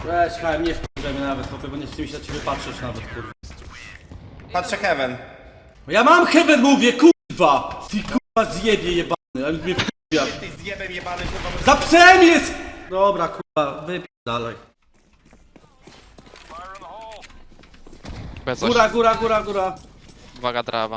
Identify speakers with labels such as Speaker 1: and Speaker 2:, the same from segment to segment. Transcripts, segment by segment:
Speaker 1: Weź, HM, nie wkurzaj mnie nawet, bo nie chce mi się na ciebie patrzeć nawet, kurwa.
Speaker 2: Patrzę Heaven.
Speaker 1: Ja mam heaven, mówię, kurwa! Ty kurwa zjebie jebany, ale mnie wkurwia.
Speaker 2: Ty zjebem jebany, kurwa.
Speaker 1: Za psem jest! Dobra, kurwa, wypij dalej.
Speaker 3: Bez coś.
Speaker 1: Góra.
Speaker 3: Uwaga, trawa.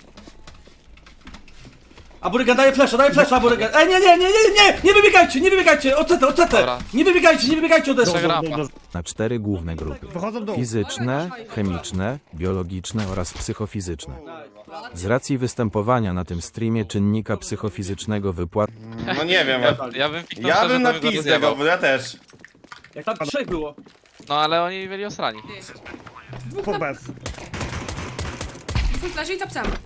Speaker 1: A Burygan daje flesza, Burygan. Ej, nie wybiegajcie, ocetę.
Speaker 3: Dobra.
Speaker 1: Nie wybiegajcie ode mnie.
Speaker 3: Rampa.
Speaker 4: Na 4 główne grupy.
Speaker 5: Wychodzą dół.
Speaker 4: Fizyczne, chemiczne, biologiczne oraz psychofizyczne. Z racji występowania na tym streamie czynnika psychofizycznego wypłat
Speaker 2: No nie wiem,
Speaker 3: Ja bym piknął
Speaker 2: ja
Speaker 3: szczerze,
Speaker 2: bym
Speaker 3: to
Speaker 2: na
Speaker 3: bym go
Speaker 2: pizdę
Speaker 3: rozjebał.
Speaker 2: go, bo ja też.
Speaker 1: Jak tam 3 było.
Speaker 3: No ale oni byli osrani.
Speaker 5: Dwóch bez.
Speaker 6: Dwóch leży i za psem.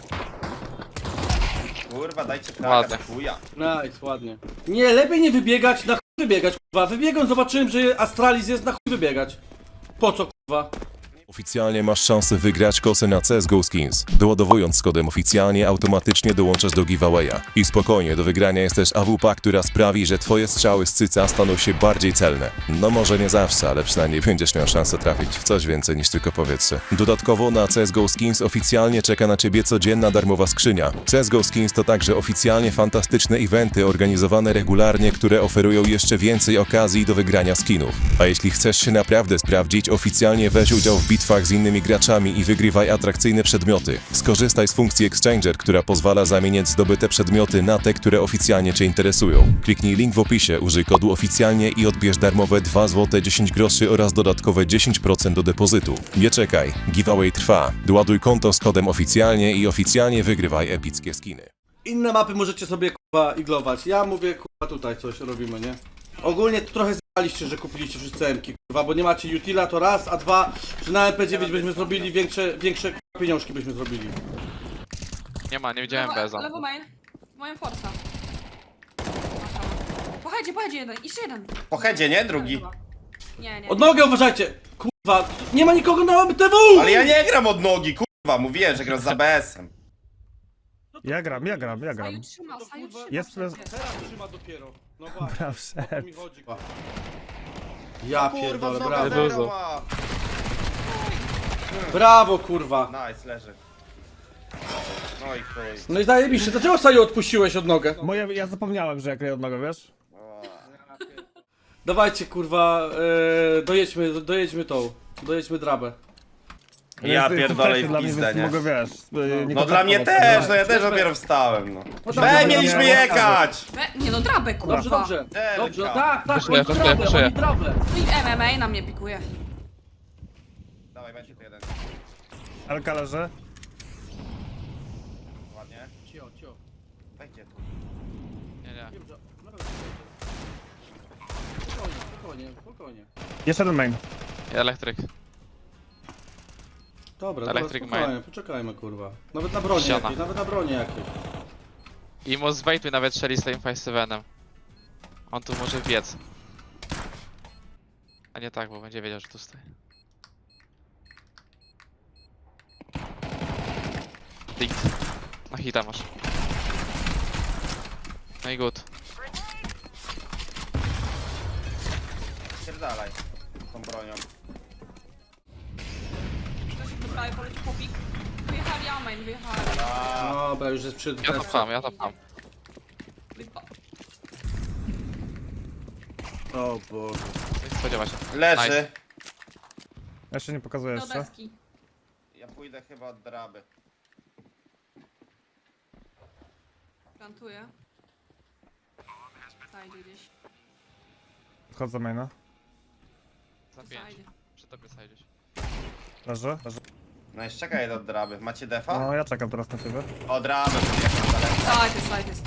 Speaker 2: Kurwa, dajcie
Speaker 3: Ładnie.
Speaker 2: flagę, chuja.
Speaker 1: Nice, ładnie. Nie, lepiej nie wybiegać, na chuj wybiegać, kurwa. Wybiegłem, zobaczyłem, że Astralis jest, na chuj wybiegać. Po co, kurwa?
Speaker 7: Oficjalnie masz szansę wygrać kosę na CSGO Skins. Doładowując z kodem oficjalnie automatycznie dołączasz do giveawaya. I spokojnie, do wygrania jest też AWP, która sprawi, że twoje strzały z cyca staną się bardziej celne. No może nie zawsze, ale przynajmniej będziesz miał szansę trafić w coś więcej niż tylko powietrze. Dodatkowo na CSGO Skins oficjalnie czeka na ciebie codzienna darmowa skrzynia. CSGO Skins to także oficjalnie fantastyczne eventy organizowane regularnie, które oferują jeszcze więcej okazji do wygrania skinów. A jeśli chcesz się naprawdę sprawdzić, oficjalnie weź udział w bitwach z innymi graczami i wygrywaj atrakcyjne przedmioty. Skorzystaj z funkcji Exchanger, która pozwala zamieniać zdobyte przedmioty na te, które oficjalnie Cię interesują. Kliknij link w opisie, użyj kodu oficjalnie i odbierz darmowe 2 zł 10 groszy oraz dodatkowe 10% do depozytu. Nie czekaj, giveaway trwa. Doładuj konto z kodem oficjalnie i oficjalnie wygrywaj epickie skiny.
Speaker 1: Inne mapy możecie sobie, kurwa, iglować. Ja mówię, kurwa, tutaj coś robimy, nie? Ogólnie to trochę zjebaliście, że kupiliście wszyscy M-ki, kurwa, bo nie macie utila, to raz, a dwa, że na MP9 byśmy zrobili większe kurwa, pieniążki byśmy zrobili.
Speaker 3: Nie widziałem Beza.
Speaker 6: Lewo main. Moją forsa. Pojedzie jeden. Jeszcze jeden.
Speaker 2: Po headzie, nie? Drugi.
Speaker 6: Nie.
Speaker 1: Od nogę uważajcie! Kurwa, nie ma nikogo na MTW!
Speaker 2: Ale ja nie gram od nogi, kurwa. Mówiłem, że gram z ABS-em.
Speaker 5: Ja gram.
Speaker 6: Saju trzyma.
Speaker 5: Jest bez...
Speaker 1: Teraz trzyma dopiero. No właśnie,
Speaker 5: Braw,
Speaker 1: o to
Speaker 5: set.
Speaker 1: mi chodzi. Ja
Speaker 2: Kurwa,
Speaker 1: pierdolę,
Speaker 2: znowu
Speaker 1: brawo.
Speaker 2: zero ma.
Speaker 1: Brawo, kurwa.
Speaker 2: Nice, leży. No i chuj.
Speaker 1: No i zajebiście, dlaczego Saju odpuściłeś od nogę?
Speaker 5: Ja zapomniałem, że jak ryję od nogę, wiesz?
Speaker 1: Dawajcie, kurwa, dojedźmy drabę.
Speaker 2: Ja pierdolę i w
Speaker 5: Dla mnie,
Speaker 2: pizdę,
Speaker 5: więc
Speaker 2: nie?
Speaker 5: mogę, wiesz...
Speaker 2: No dla mnie też, no ja też dopiero wstałem, no. Mieliśmy jechać!
Speaker 6: Nie no, drabę, kurwa.
Speaker 1: Dobrze. Dobrze, tak,
Speaker 3: Wyszuję,
Speaker 1: oni trawę,
Speaker 3: wyszuję.
Speaker 1: oni trawę.
Speaker 6: I MMA na mnie pikuje.
Speaker 2: Dawaj, będzie tu jeden.
Speaker 5: Elka leży.
Speaker 2: Ładnie.
Speaker 1: Cio.
Speaker 2: Wejdzie tu.
Speaker 3: Nie.
Speaker 1: Spokojnie.
Speaker 5: Jeszcze jeden main.
Speaker 3: Elektryk.
Speaker 1: Dobra,
Speaker 3: Electric
Speaker 1: spokojnie, poczekajmy, kurwa. Nawet na broni
Speaker 3: Ściana.
Speaker 1: jakiej.
Speaker 3: I mu zwejtuj nawet strzeli z tym 5-7. On tu może biec. A nie tak, bo będzie wiedział, że tu stoi. Dikt. Na hita masz. No i good.
Speaker 2: Pierdalaj. Tą bronią.
Speaker 6: Ktoś do prawej poleci po pik. Wyjechali main, wyjechali.
Speaker 1: Dobra, już jest przy
Speaker 3: Ja to pcham.
Speaker 1: O Boże.
Speaker 3: Nie spodziewa się.
Speaker 2: Leży.
Speaker 3: Nice.
Speaker 5: Jeszcze nie pokazuję
Speaker 6: Do
Speaker 5: jeszcze.
Speaker 6: deski.
Speaker 2: Ja pójdę chyba od draby.
Speaker 6: Plantuję. Zajdzie gdzieś.
Speaker 5: Wchodzę za maina.
Speaker 3: Za 5.
Speaker 6: Zajdzie.
Speaker 3: Przy tobie zajdziesz.
Speaker 5: Leży.
Speaker 2: No jeszcze czekaj do draby. Macie defa?
Speaker 5: No, ja czekam teraz na ciebie.
Speaker 2: O draby, podjechał daleko.
Speaker 6: Side jest.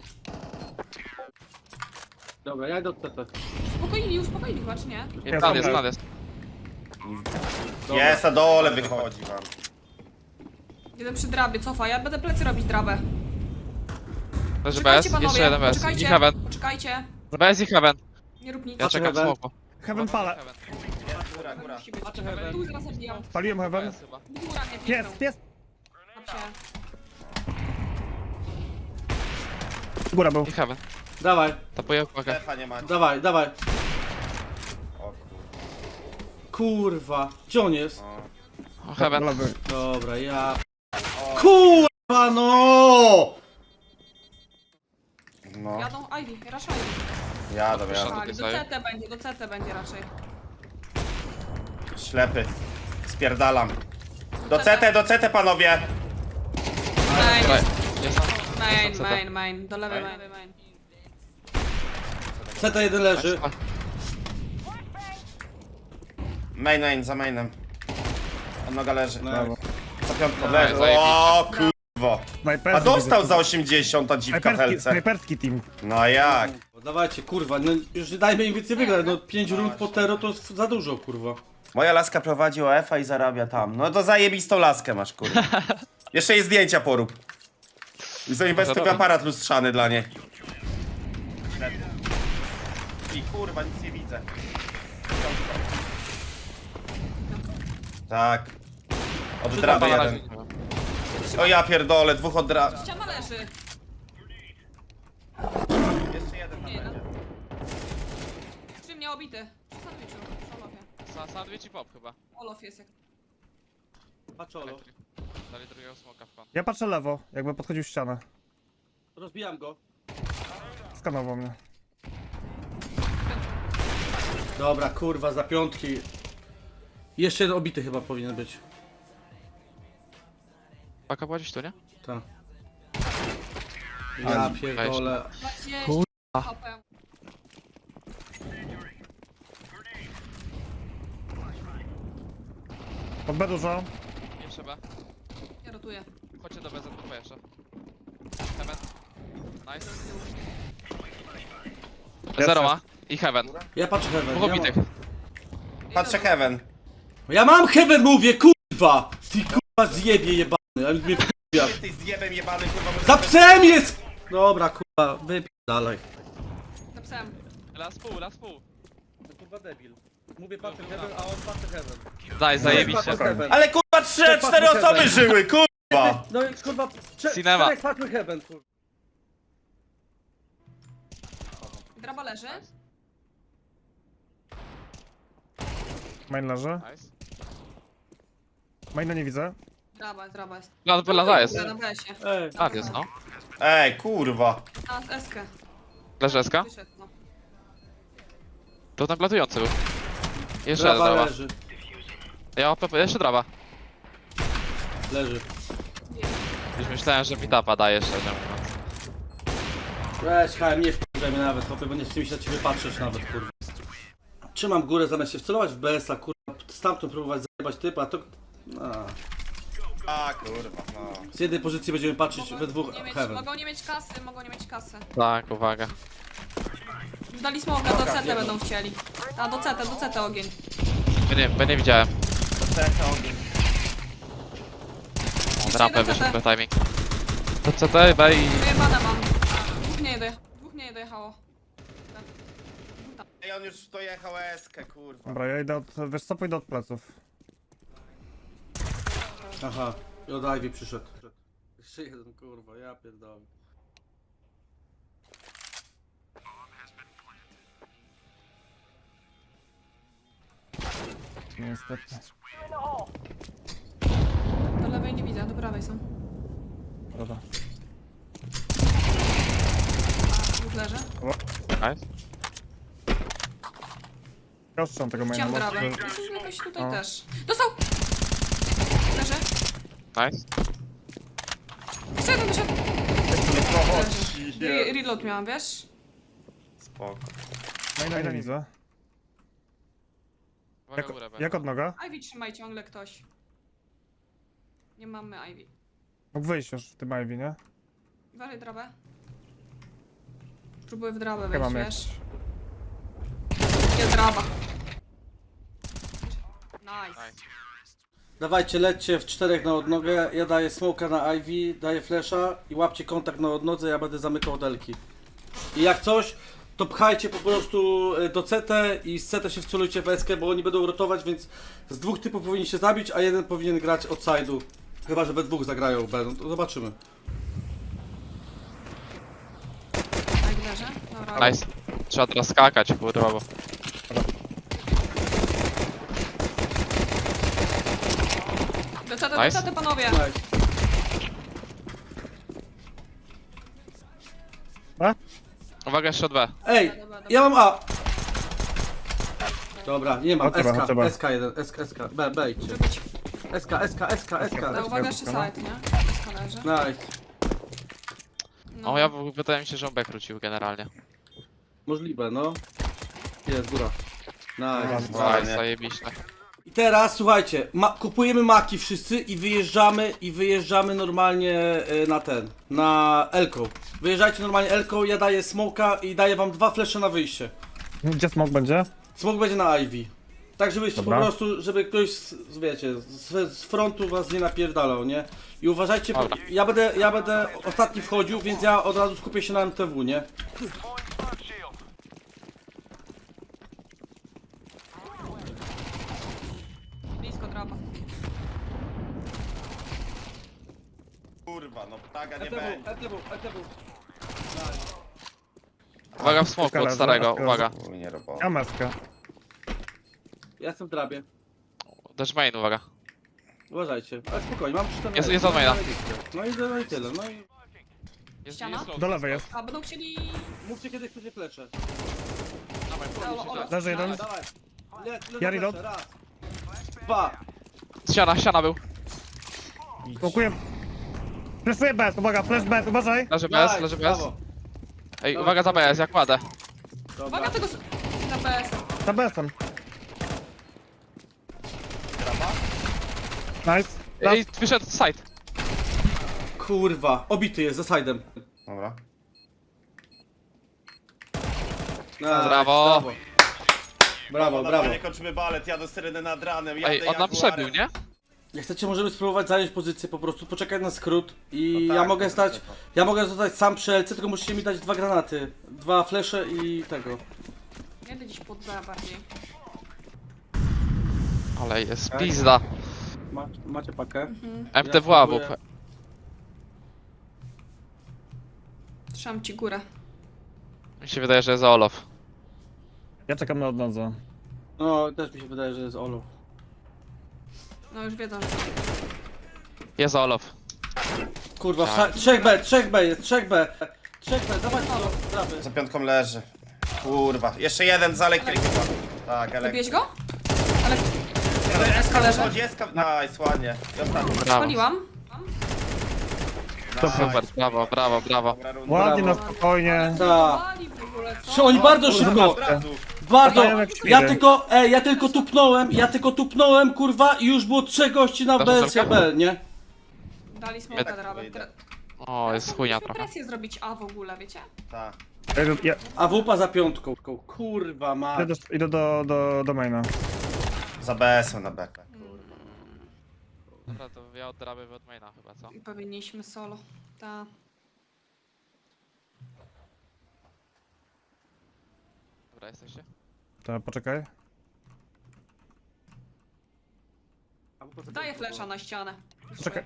Speaker 1: Dobra, ja idę od TT.
Speaker 6: Uspokoili chyba, czy nie?
Speaker 3: I plan jest.
Speaker 2: Jest, na dole wychodzi wam.
Speaker 6: Jeden przy drabie, cofa. Ja będę plecy robić drabę.
Speaker 3: Leży
Speaker 6: Poczekajcie,
Speaker 3: BS,
Speaker 6: panowie.
Speaker 3: jeszcze jeden BS. I
Speaker 6: Poczekajcie.
Speaker 3: heaven.
Speaker 6: Poczekajcie.
Speaker 3: BS i heaven.
Speaker 6: Nie rób nic.
Speaker 3: Ja czekam w
Speaker 1: heaven.
Speaker 3: smoku.
Speaker 5: Heaven pala.
Speaker 2: Jest, góra.
Speaker 6: Musi być.
Speaker 1: Patrzę heaven.
Speaker 6: Tu zaraz zabijam.
Speaker 5: Paliłem heaven.
Speaker 3: BS chyba.
Speaker 6: Góra mnie
Speaker 5: Pies,
Speaker 6: piknął.
Speaker 5: pies.
Speaker 6: Dobrze.
Speaker 5: Góra był.
Speaker 3: I heaven.
Speaker 1: Dawaj,
Speaker 3: Tapuję uwagę.
Speaker 2: Defa nie macie.
Speaker 1: dawaj.
Speaker 2: O kurwa.
Speaker 1: kurwa. Gdzie on jest?
Speaker 3: O, Heaven.
Speaker 5: Lewy.
Speaker 1: Dobra, ja... Kurwa no!
Speaker 2: No,
Speaker 6: Jadą Ivy, raczej Ivy.
Speaker 2: jadę.
Speaker 3: Tutaj
Speaker 6: Do
Speaker 3: stoję.
Speaker 6: do CT będzie raczej.
Speaker 2: Ślepy. Spierdalam. Do CT panowie!
Speaker 3: Tutaj.
Speaker 6: Main,
Speaker 3: Jest
Speaker 6: main. Do lewej main.
Speaker 1: CT1 leży.
Speaker 2: Main, za mainem. A noga leży.
Speaker 1: No.
Speaker 2: Za piątką
Speaker 3: No,
Speaker 2: leży.
Speaker 3: zajebiście.
Speaker 2: O kurwo.
Speaker 5: Snajperski
Speaker 2: A dostał
Speaker 5: widzę.
Speaker 2: za 80 ta dziwka w helce.
Speaker 5: Snajperski team.
Speaker 2: No a jak?
Speaker 1: Dawajcie, kurwa, no już nie dajmy im więcej wygrać, no 5 rund po tero to jest za dużo, kurwa.
Speaker 2: Moja laska prowadzi OF-a i zarabia tam. No to zajebistą laskę masz, kurwa. Jeszcze jej zdjęcia porób. I zainwestuj w aparat lustrzany dla niej. I kurwa, nic nie widzę. Tak. Od draby jeden. O ja pierdolę, dwóch od draby.
Speaker 6: Ściana leży.
Speaker 2: Jeszcze jeden tam będzie.
Speaker 6: Przy mnie obity. Przy sandwichu. Olofie.
Speaker 3: Sandwich i pop chyba.
Speaker 6: Olof jest jak...
Speaker 1: Paczolo.
Speaker 3: Dali drugiego smoka w kon.
Speaker 5: Ja patrzę lewo, jakby podchodził ścianę.
Speaker 1: Rozbijam go.
Speaker 5: Skanował mnie.
Speaker 1: Dobra, kurwa, za piątki. Jeszcze jeden obity chyba powinien być.
Speaker 3: Paka była gdzieś tu, nie?
Speaker 1: Tak. Ja pierdolę.
Speaker 6: 20 HP.
Speaker 5: Pod B dużo.
Speaker 3: Nie trzeba.
Speaker 6: Ja rotuję.
Speaker 3: Chodźcie do BZP jeszcze. Heaven. Nice. Zero ma. I Heaven.
Speaker 1: Ja patrzę Heaven.
Speaker 3: Dwóch
Speaker 1: Ja
Speaker 3: obitych.
Speaker 1: mam,
Speaker 2: Patrzę Heaven.
Speaker 1: ja mam Heaven, mówię, kurwa! Ty kurwa zjebie jebany, ale mnie wkurwia.
Speaker 2: Jesteś zjebem jebany, kurwa. może-
Speaker 1: Za psem jest! Dobra, kurwa, wypierdalaj.
Speaker 6: Za psem.
Speaker 3: Last pół.
Speaker 1: Kurwa debil. Mówię patrzę Heaven, a on patrzy Heaven.
Speaker 3: Daj, zajebiście.
Speaker 1: Heaven.
Speaker 2: Ale kurwa 3-4 osoby żyły, kurwa!
Speaker 1: No i kurwa,
Speaker 3: Cinema.
Speaker 1: czterech patrzmy Heaven, kurwa.
Speaker 6: Draba leży.
Speaker 5: Main leży.
Speaker 3: Nice.
Speaker 5: Maina nie widzę.
Speaker 6: Draba jest.
Speaker 3: Lada jest.
Speaker 6: Na besie.
Speaker 1: Ej,
Speaker 3: Lad jest, no.
Speaker 2: Ej, kurwa.
Speaker 6: Na eskę.
Speaker 3: Leży SK?
Speaker 6: Wyszedł, no.
Speaker 3: To ten platujący był. Jeszcze jeden
Speaker 1: draba
Speaker 3: drawa.
Speaker 1: leży.
Speaker 3: Ja OP, jeszcze drawa.
Speaker 1: Leży.
Speaker 3: Już myślałem, że meetupa daje szczerze mówiąc.
Speaker 1: Weź, HM, nie wkurwaj mnie nawet, chłopie, bo nie chce mi się na ciebie patrzeć nawet, kurwa. Trzymam górę zamiast się wcelować w BS-a, kurwa, stamtąd próbować zajebać typa, a to...
Speaker 2: A kurwa, no.
Speaker 1: Z jednej pozycji będziemy patrzeć we dwóch Heaven.
Speaker 6: Mogą nie mieć kasy.
Speaker 3: Tak, uwaga.
Speaker 6: Dali smoka, do CT będą chcieli. A, do CT ogień.
Speaker 3: Nie widziałem.
Speaker 6: Jeszcze
Speaker 3: Rampę
Speaker 6: jeden
Speaker 3: wyszedł
Speaker 6: CT.
Speaker 3: na timing. To CT, bej.
Speaker 6: Wyjebane mam. Dwóch nie dojechało.
Speaker 2: Ej, on już dojechał eskę, kurwa.
Speaker 5: Dobra, ja idę od... Wiesz co, pójdę od pleców.
Speaker 1: Aha, i od Ivy przyszedł. Jeszcze jeden, kurwa, ja pierdolę.
Speaker 5: Niestety.
Speaker 6: Do lewej nie widzę, do prawej są.
Speaker 5: Dobra.
Speaker 6: Dwóch leży.
Speaker 3: Nice.
Speaker 5: Ja ostrzam tego maina.
Speaker 6: Chciałam
Speaker 5: bo-
Speaker 6: drabę. Jakoś tutaj
Speaker 5: O.
Speaker 6: też. Dostał! Leży.
Speaker 3: Nice.
Speaker 6: Jeszcze jeden wyszedł. Leży. Reload miałam, wiesz?
Speaker 2: Spoko.
Speaker 5: Maina nie widzę.
Speaker 3: Uwaga górę,
Speaker 5: Jak od noga?
Speaker 6: Ivy trzymaj ciągle ktoś. Nie mamy Ivy.
Speaker 5: Mógł wyjść już w tym Ivy, nie?
Speaker 6: Uważaj drabę. Próbuję w drabę
Speaker 5: Chyba
Speaker 6: wejść,
Speaker 5: mam
Speaker 6: wiesz? Jest draba. Nice.
Speaker 1: Dawajcie, lećcie w czterech na odnogę, ja daję smoka na Ivy, daję flasha i łapcie kontakt na odnodze, ja będę zamykał hotelki. I jak coś, to pchajcie po prostu do CT i z CT się wcelujcie w SK, bo oni będą rotować, więc z dwóch typów powinni się zabić, a jeden powinien grać od side'u. Chyba, że we dwóch zagrają B, no to zobaczymy.
Speaker 6: Tak, leży. Dobra.
Speaker 3: Nice. Trzeba teraz skakać, kurwa, bo...
Speaker 6: do
Speaker 3: Nice.
Speaker 6: CT, panowie.
Speaker 1: Nice.
Speaker 3: Uwaga, jeszcze od B.
Speaker 1: Ej, ja mam A. Dobra, nie mam.
Speaker 5: O, trzeba,
Speaker 1: SK,
Speaker 5: trzeba.
Speaker 1: SK1, SK, B idźcie.
Speaker 6: Może być.
Speaker 1: SK.
Speaker 6: Ale uwaga, jeszcze side, nie? Leży.
Speaker 1: Nice.
Speaker 6: No.
Speaker 3: O, wydaje mi się, że on B krócił generalnie.
Speaker 1: Możliwe, no. Jest, góra. Nice.
Speaker 3: Nice,
Speaker 2: Fajnie.
Speaker 3: zajebiście.
Speaker 1: I teraz słuchajcie, kupujemy maki wszyscy i wyjeżdżamy normalnie na Elką. Wyjeżdżajcie normalnie Elką, ja daję smoka i daję wam 2 flesze na wyjście.
Speaker 5: Gdzie smok będzie?
Speaker 1: Smok będzie na Ivy. Tak żebyście
Speaker 5: Dobra.
Speaker 1: po prostu, żeby ktoś wiecie, z frontu was nie napierdalał, nie? I uważajcie, bo
Speaker 3: Dobra.
Speaker 1: ja będę ostatni wchodził, więc ja od razu skupię się na MTW, nie?
Speaker 6: Blisko draba.
Speaker 2: Kurwa, no ptaga nie będzie.
Speaker 1: MTW.
Speaker 3: Uwaga w smoku od starego, uwaga.
Speaker 2: Uj, nie robota.
Speaker 5: Ja maskę.
Speaker 1: Ja jestem w drabie.
Speaker 3: Dash main, uwaga.
Speaker 1: Uważajcie, ale spokojnie, mam 14.
Speaker 3: Jest od maina.
Speaker 1: No i tyle, no i
Speaker 6: Ściana?
Speaker 3: low.
Speaker 5: Do lewej jest.
Speaker 6: A będą chcieli...
Speaker 1: mówcie kiedy chcecie flesze.
Speaker 5: Leży jeden.
Speaker 1: Dawaj.
Speaker 5: Ja reload.
Speaker 1: Raz. 2.
Speaker 3: Ściana był.
Speaker 5: Smokuję. Flashuję bez, uwaga, flash bez, uważaj.
Speaker 3: Leży bez, leży bez. Ej, uwaga za BS, jak kładę.
Speaker 6: Uwaga tego... Na BS.
Speaker 5: Za besem. Nice.
Speaker 3: Ej, wyszedł side.
Speaker 1: Kurwa, obity jest za side'em.
Speaker 2: Dobra.
Speaker 1: Nice,
Speaker 3: Brawo.
Speaker 1: Brawo, brawo.
Speaker 2: Nie kończymy balet, jadę syrenę nad ranem, jadę
Speaker 3: Ej, on nam
Speaker 2: Jaguarem.
Speaker 3: przebił, nie?
Speaker 1: Jak chcecie, możemy spróbować zająć pozycję po prostu, poczekać na skrót i
Speaker 2: No tak,
Speaker 1: ja mogę
Speaker 2: tak,
Speaker 1: stać,
Speaker 2: tak.
Speaker 1: ja mogę zostać sam przy LC, tylko musicie mi dać 2 granaty, 2 flesze i tego.
Speaker 6: Jedę gdzieś pod B bardziej.
Speaker 3: Ale jest pizda.
Speaker 1: Macie pakę?
Speaker 3: MTW
Speaker 1: Ja
Speaker 3: AWP.
Speaker 1: spróbuję.
Speaker 6: Trzymam ci górę.
Speaker 3: Mi się wydaje, że jest Olof.
Speaker 5: Ja czekam na odnodze.
Speaker 1: No, też mi się wydaje, że jest Olof.
Speaker 6: No już wiedzą, że...
Speaker 3: Jest Olof.
Speaker 1: Kurwa,
Speaker 3: Tak.
Speaker 1: 3B jest, 3B, dawajcie do prawy.
Speaker 2: Za piątką leży. Kurwa, jeszcze jeden za elektrykiem. Tak,
Speaker 6: Zabiłeś
Speaker 2: elektryk.
Speaker 6: go? Ale... SK leży.
Speaker 2: Nice, ładnie. I ostatni.
Speaker 3: Brawo.
Speaker 6: Spaliłam.
Speaker 3: Super, brawo, brawo, brawo.
Speaker 2: Dobra runda.
Speaker 5: Ładnie,
Speaker 1: Brawo.
Speaker 5: na spokojnie.
Speaker 1: Tak.
Speaker 6: Spali w ogóle, co?
Speaker 1: Czy oni bardzo szybko,
Speaker 2: Od razu.
Speaker 1: bardzo,
Speaker 5: Latają jak świry.
Speaker 1: ja tylko tupnąłem, kurwa i już było 3 gości na
Speaker 3: Dasz
Speaker 1: BSB, nie?
Speaker 6: Dali smoka
Speaker 3: Tak.
Speaker 6: drabę.
Speaker 3: O, jest chujnia
Speaker 6: Musimy
Speaker 3: trochę.
Speaker 6: presję zrobić A w ogóle, wiecie?
Speaker 2: Tak.
Speaker 5: Ja
Speaker 1: A wupa za piątką, kurwa ma.
Speaker 5: idę do maina.
Speaker 2: Za BS-em na bekę.
Speaker 3: Dobra, to ja od draby od maina chyba, co?
Speaker 6: I powinniśmy solo. Ta.
Speaker 3: Dobra, jesteście?
Speaker 5: To poczekaj.
Speaker 6: Daję flesza na ścianę.
Speaker 5: Czekaj.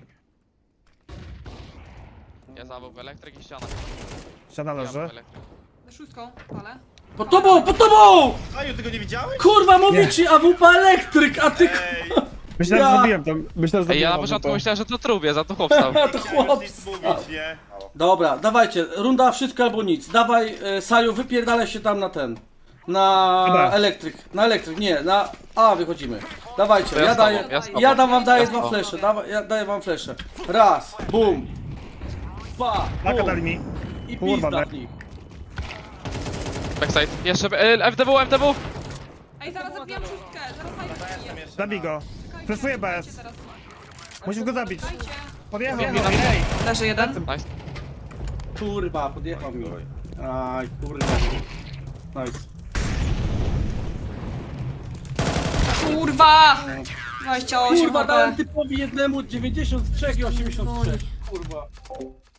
Speaker 3: Ja za AWP elektryk i ściana.
Speaker 5: Ściana
Speaker 3: Ja
Speaker 5: leży.
Speaker 3: AWP elektryk.
Speaker 6: Za szóstką, ale.
Speaker 1: Pod tobą!
Speaker 2: Aju, ty go nie widziałeś?
Speaker 1: Kurwa, mówi ci AWP elektryk, a ty
Speaker 2: Ej,
Speaker 5: Myślałem,
Speaker 1: Ja-
Speaker 5: że zabiłem to. Myślałem, że
Speaker 3: Ej, ja na
Speaker 5: zabiłem
Speaker 3: początku
Speaker 5: to.
Speaker 3: myślałem, że to trubie, za to chłopstał.
Speaker 1: to
Speaker 2: już
Speaker 1: chłop.
Speaker 2: nic mówić, nie?
Speaker 1: Dobra, dawajcie, runda wszystko albo nic. Dawaj, Saju, wypierdalaj się tam na ten.
Speaker 5: Dobra.
Speaker 1: Na elektryk, nie, na A wychodzimy. Dawajcie,
Speaker 3: To ja
Speaker 1: ja
Speaker 3: z tobą,
Speaker 1: daję,
Speaker 3: ja z tobą.
Speaker 1: ja wam daję
Speaker 3: Ja z
Speaker 1: 2
Speaker 3: tobą.
Speaker 1: flesze, ja daję wam flesze. Raz, bum, 2,
Speaker 5: Paka dali
Speaker 1: bum
Speaker 5: mi.
Speaker 1: i
Speaker 5: Kurwa,
Speaker 1: pizda
Speaker 5: be-
Speaker 1: w nich.
Speaker 3: Backside. Jeszcze MTW, MTW!
Speaker 6: Ej, zaraz zabijam szóstkę, zaraz zabiję.
Speaker 5: Zabij go. Flashuję
Speaker 6: Dajcie
Speaker 5: bez.
Speaker 6: teraz.
Speaker 5: Musisz go zabić.
Speaker 6: Dajcie.
Speaker 5: Podjechał.
Speaker 6: Leży jeden.
Speaker 3: Nice.
Speaker 1: Kurwa, podjechał mi. Aj, kurwa. Nice.
Speaker 6: Kurwa! 28
Speaker 1: Kurwa,
Speaker 6: HP.
Speaker 1: dałem typowi jednemu 93 i 83. Kurwa.